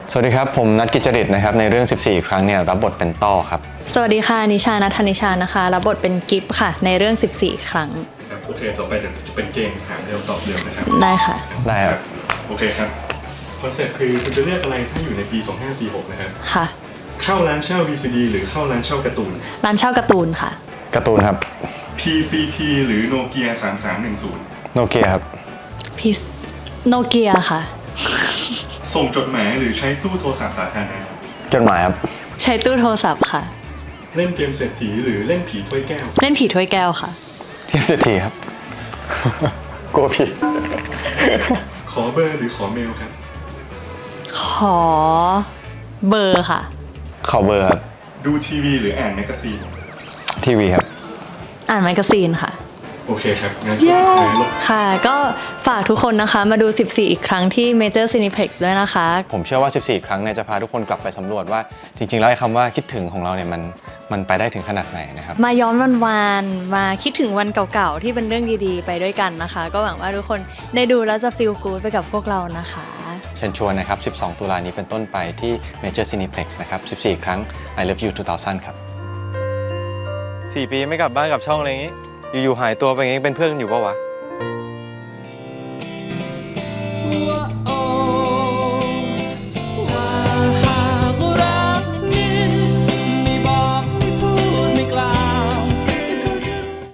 สวัสดีครับผมนัทกิจจริตนะครับในเรื่อง 14 ครั้งเนี่ยรับบทเป็นต้อครับสวัสดีค่ะนิชานัทธนิชานะคะรับบทเป็นกิฟต์ค่ะในเรื่อง 14 ครั้งครับโอเคต่อไปเดี๋ยวจะเป็นเกมถามเร็วตอบเร็วนะครับได้ค่ะได้ครับโอเคครับคอนเซ็ปต์คือคุณจะเลือกอะไรถ้าอยู่ในปี 2546 นะครับค่ะเข้าร้านเช่า VCD หรือเข้าร้านเช่าการ์ตูนร้านเช่าการ์ตูนค่ะการ์ตูนครับ PCT หรือโนเกีย3310 โนเกียครับพีโนเกียค่ะส่งจดหมายหรือใช้ตู้โทรศัพท์สาธารณะจดหมายครับใช้ตู้โทรศัพท์ค่ะเล่นเกมเศรษฐีหรือเล่นผีถ้วยแก้วเล่นผีถ้วยแก้วค่ะเทียบเศรษฐีครับ กลัวผิดขอเบอร์หรือขอเมลครับขอเบอร์ค่ะขอเบอร์ครับดูทีวีหรืออ่านแมกกาซีนทีวีครับอ่านแมกกาซีนค่ะโอเคครับงั้นช่วงสุดท้ายลบค่ะก็ฝากทุกคนนะคะมาดู 14 อีกครั้งที่ Major Cineplex ด้วยนะคะผมเชื่อว่า 14 ครั้งเนี่ยจะพาทุกคนกลับไปสำรวจว่าจริงๆแล้วไอ้คำว่าคิดถึงของเราเนี่ยมันไปได้ถึงขนาดไหนนะครับมาย้อนวันๆมาคิดถึงวันเก่าๆที่เป็นเรื่องดีๆไปด้วยกันนะคะก็หวังว่าทุกคนได้ดูแล้วจะ feel good ไปกับพวกเรานะคะเชิญชวนนะครับ 12 ตุลานี้เป็นต้นไปที่ Major Cineplex นะครับ 14 ครั้ง I Love You 2000 ครับ 4 ปีไม่กลับบ้านกับช่องอะไรอย่างงี้อยู่ๆหายตัวไปอย่างงี้เป็นเพื่อนกันอยู่ปะวะ